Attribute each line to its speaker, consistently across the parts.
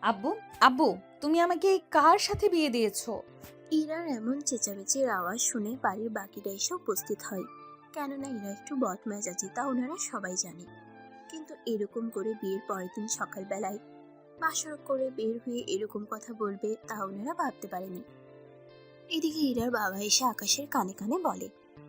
Speaker 1: আব্বু, আব্বু, তুমি আমাকে কার সাথে বিয়ে দিয়েছো?
Speaker 2: ইরার এমন চেঁচামেচির আওয়াজ শুনে বাড়ির বাকিরা এসে উপস্থিত হয়। কেননা ইরা একটু বদমেজাজি, তা ওনারা সবাই জানে। কিন্তু এরকম করে বিয়ের পরের দিন সকালবেলায় বাসর করে বের হয়ে এরকম কথা বলবে তা ওনারা ভাবতে পারেনি। এদিকে ইরার বাবা এসে আকাশের কানে কানে বলে,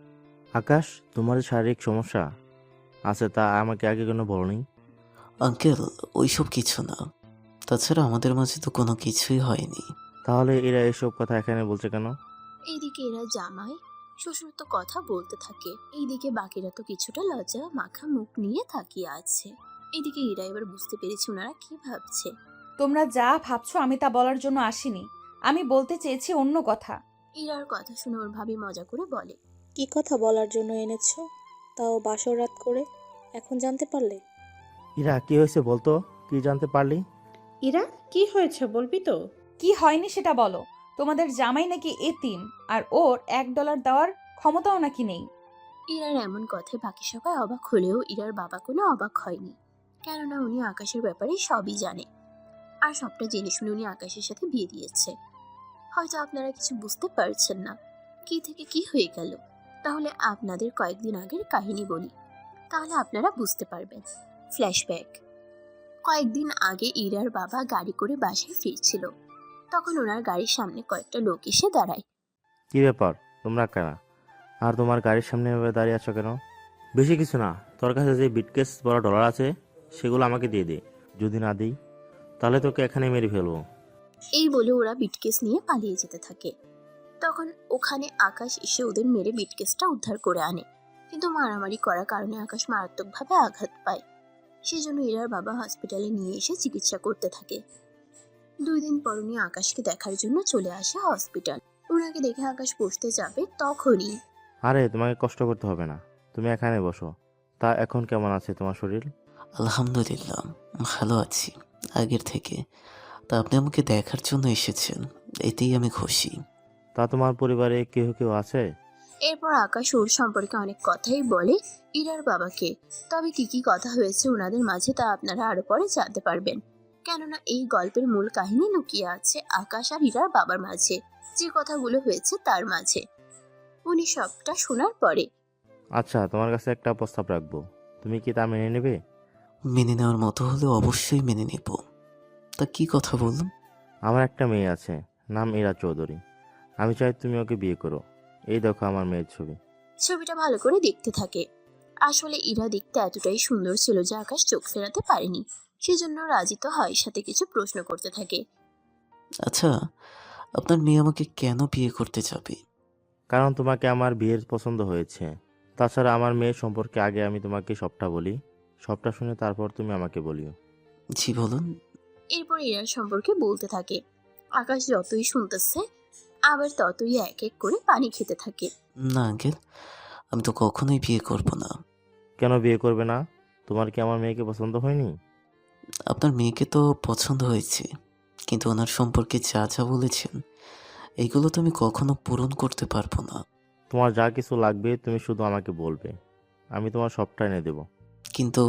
Speaker 3: আকাশ, তোমার যে শারীরিক সমস্যা আছে তা আমাকে আগে কেন বলনি?
Speaker 4: আঙ্কেল, ওইসব কিছু না। তাছাড়া আমাদের মাঝে তো কোনো কিছুই হয়নি।
Speaker 3: তাহলে এরা এসব কথা এখানে বলছে কেন?
Speaker 2: এইদিকে এরা জামাই শ্বশুর তো কথা বলতে থাকে, এইদিকে বাকিরা তো কিছুটা লজ্জা মাখা মুখ নিয়ে তাকিয়ে আছে। এদিকে ইরা এবার বুঝতে পেরেছে ওনারা কি ভাবছে।
Speaker 1: তোমরা যা ভাবছো আমি তা বলার জন্য আসিনি। আমি বলতে চেয়েছি অন্য কথা।
Speaker 2: ইরার কথা শুনে ওর ভাবি মজা করে বলে,
Speaker 5: কি কথা বলার জন্য এনেছো? তাও বাসর রাত করে, এখন জানতে পারলে?
Speaker 3: ইরা, কি হয়েছে বলতো? কি জানতে পারলি?
Speaker 6: ইরা, কি হয়েছে বলবি তো?
Speaker 1: কি হয়নি সেটা বলো। তোমাদের জামাই নাকি এতিম, আর ওর $1 দেওয়ার ক্ষমতাও নাকি নেই।
Speaker 2: ইরার এমন কথায় বাকি সবাই অবাক হলেও ইরার বাবা কোনো অবাক হয়নি। কেননা উনি আকাশের ব্যাপারে সবই জানে, আর সবটা জেনে শুনে উনি আকাশের সাথে বিয়ে দিয়েছে। হয়তো আপনারা কিছু বুঝতে পারছেন না কি থেকে কি হয়ে গেল। তাহলে আপনাদের কয়েকদিন আগের কাহিনী বলি, তাহলে আপনারা বুঝতে পারবেন। ফ্ল্যাশব্যাক। কয়েকদিন আগে ইরার বাবা গাড়ি করে বাসায় ফিরছিল। তখন ওনার গাড়ির সামনে কয়েকটা লোক এসে দাঁড়ায়।
Speaker 3: কি ব্যাপার, তোমরা কেনা? আর তোমার গাড়ির সামনে এভাবে দাঁড়িয়ে আছো কেন? বেশি কিছু না, তোর কাছে যে বিটকেস বড় ডলার আছে সেগুলো আমাকে দিয়ে দে। যদি না দিই তাহলে তোকে এখানে মেরে ফেলবো।
Speaker 2: এই বলে ওরা বিটকেস নিয়ে পালিয়ে যেতে থাকে। তখন ওখানে আকাশ এসে ওদের মেরে বিটকেসটা উদ্ধার করে আনে। কিন্তু মারামারি করার কারণে আকাশ মারাত্মকভাবে আঘাত পায়। সেজন্য ইরার বাবা হসপিটালে নিয়ে এসে চিকিৎসা করতে থাকে। 2 দিন পর উনি আকাশকে দেখার জন্য চলে আসে হসপিটাল। ওনাকে দেখে আকাশ বসতে যাবে তখনই
Speaker 3: আরে, তোমাকে কষ্ট করতে হবে না, তুমি এখানে বসো। তা এখন কেমন আছে তোমার শরীর?
Speaker 4: আলহামদুলিল্লাহ, ভালো আছি আগের থেকে। তা আপনি আমাকে দেখার জন্য এসেছেন, এতেই আমি খুশি।
Speaker 3: তা তোমার পরিবারে কেউ কেউ আছে?
Speaker 2: এরপর আকাশ ওর সম্পর্কে অনেক কথাই বলে ইরার বাবাকে। তবে কি কি কথা হয়েছে ওনাদের মাঝে তা আপনারা আরো পরে জানতে পারবেন। কেননা এই গল্পের মূল কাহিনী লুকিয়ে আছে আকাশ আর ইরার বাবার মাঝে, যে কথাগুলো হয়েছে তার মাঝে। উনি সবটা শোনার পরে
Speaker 3: আচ্ছা, তোমার কাছে একটা প্রস্তাব রাখবো, তুমি কি তা মেনে নেবে?
Speaker 4: মেনে নেওয়ার মতো হলে অবশ্যই মেনে নেব। তা কি কথা বলুন।
Speaker 3: আমার একটা মেয়ে আছে, নাম ইরা চৌধুরী। আমি চাই তুমি ওকে বিয়ে করো। এই দেখো আমার মেয়ের ছবি।
Speaker 2: ছবিটা ভালো করে দেখতে থাকে। আসলে ইরা দেখতে এতটাই সুন্দর ছিল যে আকাশ চোখ ফেরাতে পারেনি। সেজন্য রাজি তো হয়, সাথে কিছু প্রশ্ন করতে থাকে।
Speaker 4: আচ্ছা, আপনার মেয়ে আমাকে কেন বিয়ে করতে যাবে?
Speaker 3: কারণ তোমাকে আমার বিয়ের পছন্দ হয়েছে। তাছাড়া আমার মেয়ের সম্পর্কে আগে আমি তোমাকে সবটা বলি, সবটা শুনে তারপর তুমি আমাকে বলিও।
Speaker 4: জি বলুন।
Speaker 2: এরপর ইরার সম্পর্কে বলতে থাকে। আকাশ যতই শুনতেছে আবার ততই এক এক করে পানি খেতে থাকে।
Speaker 4: না আঙ্কেল, আমি তো কখনোই বিয়ে করব না।
Speaker 3: কেন বিয়ে করবে না? তোমার কি আমার মেয়েকে পছন্দ হয়নি?
Speaker 4: আপনার মেয়েকে তো পছন্দ হয়েছে, কিন্তু ওনার সম্পর্কে যা যা বলেছেন এইগুলো তো আমি কখনো পূরণ করতে পারবো না।
Speaker 3: তোমার যা কিছু লাগবে তুমি শুধু আমাকে বলবে, আমি তোমার সবটা এনে দেবো।
Speaker 4: কিন্তু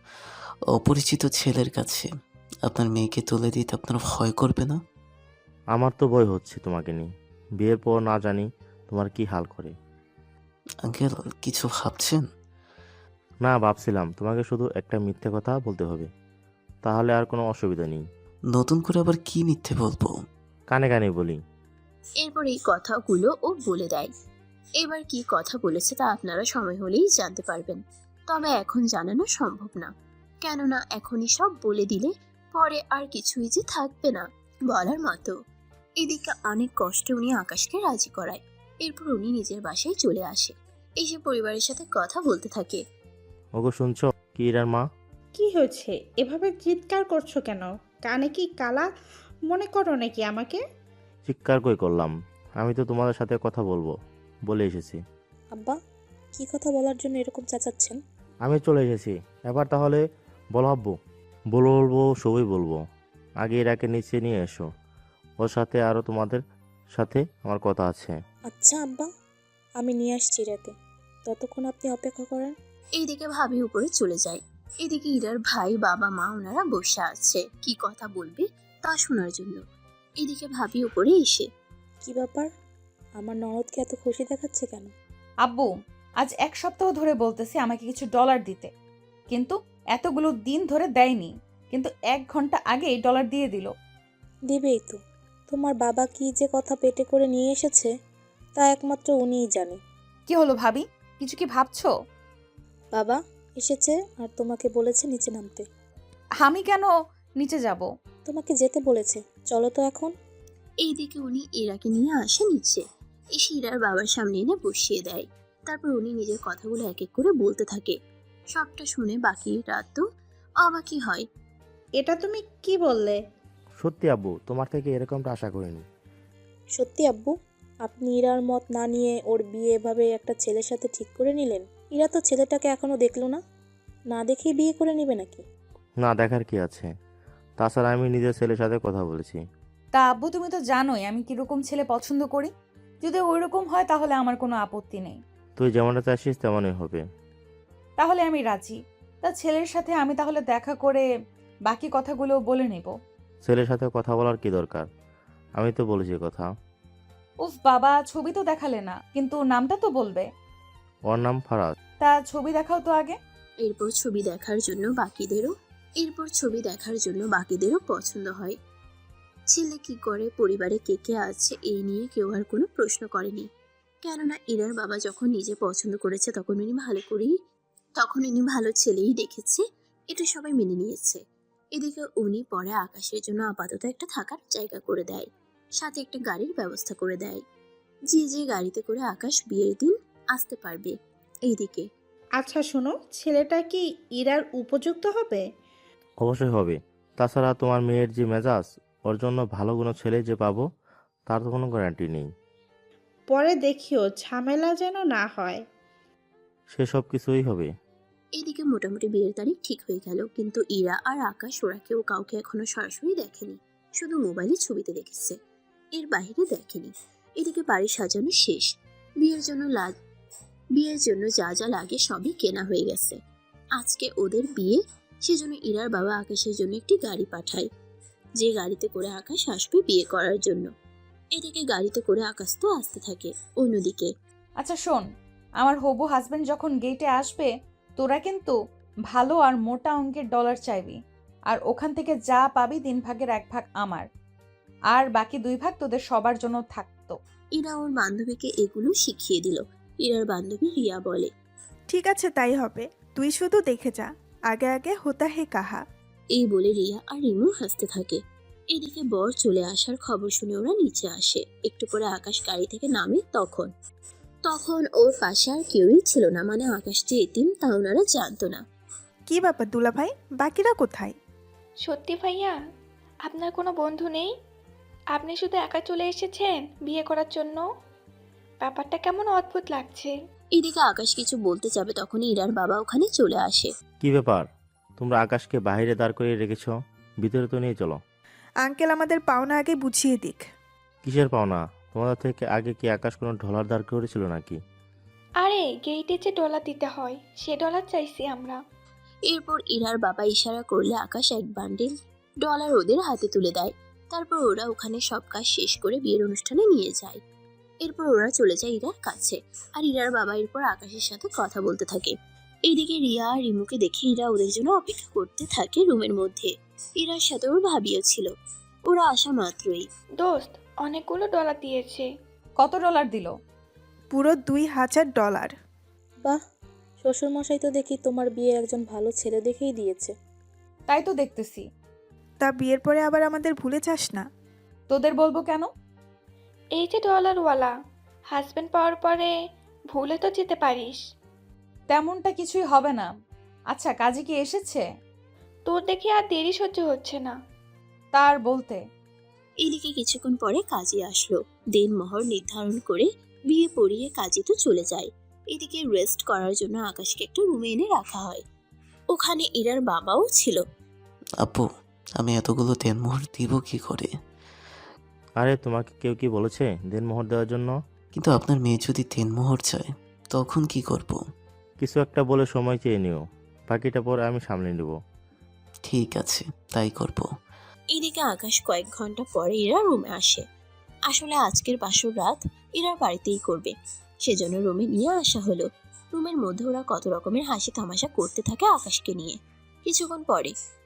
Speaker 4: অপরিচিত ছেলের কাছে আপনার মেয়েকে তুলে দিতে আপনার ভয় করবে না?
Speaker 3: আমার তো ভয় হচ্ছে তোমাকে নিয়ে। বিয়ের পর না জানি তোমার কি হাল করে।
Speaker 4: আঙ্কেল, কিছু ভাবছেন?
Speaker 3: না, ভাবছিলাম তোমাকে শুধু একটা মিথ্যে কথা বলতে হবে, তাহলে আর কোনো অসুবিধা নেই।
Speaker 4: নতুন করে আবার কি মিথ্যে বলবো?
Speaker 3: কানে কানে বলি।
Speaker 2: এরপর এই কথাগুলো ও বলে দেয়। এবার কি কথা বলেছে তা আপনারা সময় হলেই জানতে পারবেন। তবে এখন জানানো সম্ভব না, কেননা এখনই সব বলে দিলে পরে আর কিছুই যে থাকবে না বলার মতো। এদিকে অনেক কষ্টে উনি আকাশকে রাজি করায়। এরপর উনি নিজের বাসায় চলে আসে, এসে পরিবারের সাথে কথা বলতে থাকে।
Speaker 3: ওগো, শুনছো? কি ইরার মা?
Speaker 6: কি হয়েছে? এভাবে চিৎকার করছো কেন? কানে কি কালা মনে করো নাকি আমাকে?
Speaker 3: চিৎকার কই করলাম? আমি তো তোমাদের সাথে কথা বলবো বলে এসেছি।
Speaker 5: আব্বা, কি কথা বলার জন্য এরকম চেঁচাচ্ছেন?
Speaker 3: আমি চলে এসেছি, এবার তাহলে বলো আব্বু। বলবো, সবই বলবো। আগে ইরাকে নিচে নিয়ে এসো, ওর সাথে আরও তোমাদের সাথে আমার কথা আছে।
Speaker 5: আচ্ছা আব্বা, আমি নিয়ে আসছি রাতে, ততক্ষণ আপনি অপেক্ষা করেন।
Speaker 2: এইদিকে ভাবি উপরে চলে যায়। এদিকে ইরার ভাই বাবা মা ওনারা বসে আছে, কি কথা বলবে তা শোনার জন্য। এদিকে ভাবি উপরে এসে,
Speaker 5: কি ব্যাপার? আমার ননদকে এত খুশি দেখাচ্ছে কেন?
Speaker 1: আব্বু, আজ 1 সপ্তাহ ধরে বলতেছি আমাকে কিছু ডলার দিতে, কিন্তু এতগুলো দিন ধরে দেয়নি, কিন্তু 1 ঘন্টা আগেই ডলার দিয়ে দিল।
Speaker 5: দেবেই তো। তোমার বাবা কি যে কথা পেটে করে নিয়ে এসেছে তা একমাত্র উনিই জানে।
Speaker 1: কি হলো ভাবি, কিছু কি ভাবছো?
Speaker 5: বাবা এসেছে আর তোমাকে বলেছে নিচে নামতে।
Speaker 1: আমি কেন নিচে যাব?
Speaker 5: তোমাকে যেতে বলেছে, চলো তো এখন।
Speaker 2: এইদিকে উনি ইরাকে নিয়ে আসে নিচে, এসে ইরার বাবার সামনে এনে বসিয়ে দেয়। তারপর উনি নিজের কথাগুলো এক এক করে বলতে থাকে। সবটা শুনে বাকি রাত তো অবাকই হয়।
Speaker 6: এটা তুমি কি বললে?
Speaker 3: সত্যি আব্বু, তোমার থেকে এরকমটা আশা করিনি।
Speaker 5: সত্যি আব্বু? আপনি ইরার মত না নিয়ে ওর বিয়ে এভাবে একটা ছেলের সাথে ঠিক করে নিলেন? ইরা তো ছেলেটাকে এখনো দেখলো না, না দেখেই বিয়ে করে নিবে নাকি?
Speaker 3: না, দেখার কি আছে? তাছাড়া আমি নিজের ছেলের সাথে কথা বলেছি।
Speaker 1: তা আব্বু, তুমি তো জানোই আমি কিরকম ছেলে পছন্দ করি। যদি ওইরকম হয় তাহলে আমার কোনো আপত্তি নেই।
Speaker 3: তুই যেমনটা চাইছিস তেমনই হবে।
Speaker 1: তাহলে আমি রাজি। তা ছেলের সাথে আমি তাহলে দেখা করে বাকি কথাগুলো বলে নেব।
Speaker 3: ছেলের সাথে কথা বলার কি দরকার? আমি তো বলেছি কথা।
Speaker 1: উফ বাবা, ছবি তো দেখালে না, কিন্তু নামটা তো বলবে।
Speaker 3: ওর নাম ফারাজ।
Speaker 1: তা ছবি দেখাও তো আগে।
Speaker 2: এরপর ছবি দেখার জন্য বাকিদেরও পছন্দ হয়। ছেলে কি করে, পরিবারে কে কে আছে, এই নিয়ে কেউ আর কোনো প্রশ্ন করেনি। কেননা ইরার বাবা যখন নিজে পছন্দ করেছে তখন উনি ভালো ছেলেই দেখেছে, এটা সবাই মেনে নিয়েছে। এদিকে উনি পরে আকাশের জন্য আপাতত একটা থাকার জায়গা করে দেয়, সাথে একটা গাড়ির ব্যবস্থা করে দেয়, যে গাড়িতে করে আকাশ বিয়ের দিন আসতে পারবে। এইদিকে
Speaker 6: আচ্ছা শোনো, ছেলেটা কি ইরার উপযুক্ত হবে?
Speaker 3: অবশ্যই হবে। তাছাড়া তোমার মেয়ের যে মেজাজ, ওর জন্য ভালো কোনো ছেলে যে পাবো তার তো কোনো গ্যারান্টি নেই।
Speaker 6: পরে দেখিও ঝামেলা যেন না হয়।
Speaker 3: সে সব কিছুই হবে।
Speaker 2: এদিকে মোটামুটি বিয়ের তারিখ ঠিক হয়ে গেল, কিন্তু ইরা আর আকাশ ওরা কেউ কাউকে এখনো সরাসরি দেখেনি, শুধু মোবাইলে ছবিতে দেখেছে, এর বাইরে দেখেনি। এদিকে বাড়ি সাজানো শেষ, বিয়ের জন্য যা যা লাগে সবই কেনা হয়ে গেছে। আজকে ওদের বিয়ে, সেজন্য ইরার বাবা আকাশের জন্য একটি গাড়ি পাঠায়, যে গাড়িতে করে আকাশ আসবে বিয়ে করার জন্য। এদিকে গাড়িতে করে আকাশ তো আসতে থাকে। অন্যদিকে
Speaker 1: আচ্ছা শোন, আমার হবু হাজবেন্ড যখন গেটে আসবে, তোরা কিন্তু ভালো আর মোটা অঙ্কের ডলার চাইবি। আর ওখান থেকে যা পাবি 3 ভাগের 1 ভাগ আমার, আর বাকি 2 ভাগ তোদের সবার জন্য থাকতো।
Speaker 2: ইরা ওর বান্ধবীকে এগুলো শিখিয়ে দিল। ইরার বান্ধবী রিয়া বলে,
Speaker 7: ঠিক আছে তাই হবে, তুই শুধু দেখে যা, আগে আগে হোতা হে কাহা।
Speaker 2: এই বলে রিয়া আর রিমু হাসতে থাকে। এদিকে বর চলে আসার খবর শুনে ওরা নিচে আসে। একটু পরে আকাশ গাড়ি থেকে নামে। তখন ওর পাশে আর কেউই ছিল না, মানে আকাশ যে এতিম তা ওনারা জানতো না।
Speaker 7: কি ব্যাপার দুলা ভাই, বাকিরা কোথায়?
Speaker 8: সত্যি ভাইয়া, আপনার কোনো বন্ধু নেই? আপনি শুধু একা চলে এসেছেন বিয়ে করার জন্য? ব্যাপারটা কেমন অদ্ভুত লাগছে।
Speaker 2: এদিকে আকাশ কিছু বলতে যাবে, তখনই ইরার বাবা ওখানে চলে আসে।
Speaker 3: কি ব্যাপার? তোমরা আকাশকে বাইরে দাঁড় করিয়ে রেখেছ, ভিতরে তো নিয়ে চলো।
Speaker 7: আঙ্কেল আমাদের পাওনা আগে বুঝিয়ে দিক।
Speaker 3: কিসের পাওনা? তোমাদের থেকে আগে কি আকাশ কোনো ডলার দাঁড় করেছিল নাকি?
Speaker 8: আরে গেইটে যে ডলার দিতে হয় সে ডলার চাইছি আমরা।
Speaker 2: এরপর ইরার বাবা ইশারা করলে আকাশ এক বান্ডিল ডলার ওদের হাতে তুলে দেয়। তারপর ওরা ওখানে সব কাজ শেষ করে বিয়ের অনুষ্ঠানে নিয়ে যায়। এরপর ওরা চলে যায় ইরার কাছে, আর ইরার বাবা এরপর আকাশের সাথে কথা বলতে থাকে। এইদিকে রিয়া আর রিমুকে দেখে ইরা ওদের জন্য অপেক্ষা করতে থাকে রুমের মধ্যে। ইরার সাথে ওর ভাবিও ছিল। ওরা আসা মাত্রই,
Speaker 8: দোস্ত অনেকগুলো ডলার দিয়েছে।
Speaker 1: কত ডলার দিল?
Speaker 7: পুরো $2000।
Speaker 5: বাহ, শ্বশুরমশাই তো দেখি তোমার বিয়ে একজন ভালো ছেলে দেখেই দিয়েছে।
Speaker 1: তাই তো দেখতেছি।
Speaker 7: তা বিয়ের পরে আবার আমাদের ভুলে যাস না।
Speaker 1: তোদের বলবো কেন?
Speaker 8: এই যে ডলারওয়ালা, হাজবেন্ড পাওয়ার পরে ভুলে তো যেতে পারিস।
Speaker 1: তেমনটা কিছুই হবে না। আচ্ছা, কাজে কি এসেছে?
Speaker 8: তোর দেখে আর দেরি সহ্য হচ্ছে না।
Speaker 1: তার বলতে।
Speaker 2: এদিকে কিছুক্ষণ পরে কাজী আসলো। দেনমোহর নির্ধারণ করে বিয়ে পড়িয়ে কাজী তো চলে যায়। এদিকে রেস্ট করার জন্য আকাশকে একটা রুমে এনে রাখা হয়। ওখানে ইরার বাবাও ছিল।
Speaker 4: আপু, আমি এতগুলো দেনমোহর দিব কি করে?
Speaker 3: আরে তোমাকে কেউ কি বলেছে দেনমোহর দেওয়ার জন্য?
Speaker 4: কিন্তু আপনার মেয়ে যদি দেনমোহর চায় তখন কি করব?
Speaker 3: কিছু একটা বলে সময় চেয়ে নিও, বাকিটা পরে আমি সামলে নেব।
Speaker 4: ঠিক আছে, তাই করব।
Speaker 2: এদিকে আকাশ কয়েক ঘন্টা পরে ইরা রুমে আসে। আসলে আজকের বাসর রাত ইরার বাড়িতেই করবে, সেজন্য রুমে নিয়ে আসা হলো। রুমের মধ্যে ওরা কত রকমের হাসি তামাশা করতে থাকে আকাশকে নিয়ে। কিছুক্ষণ পরে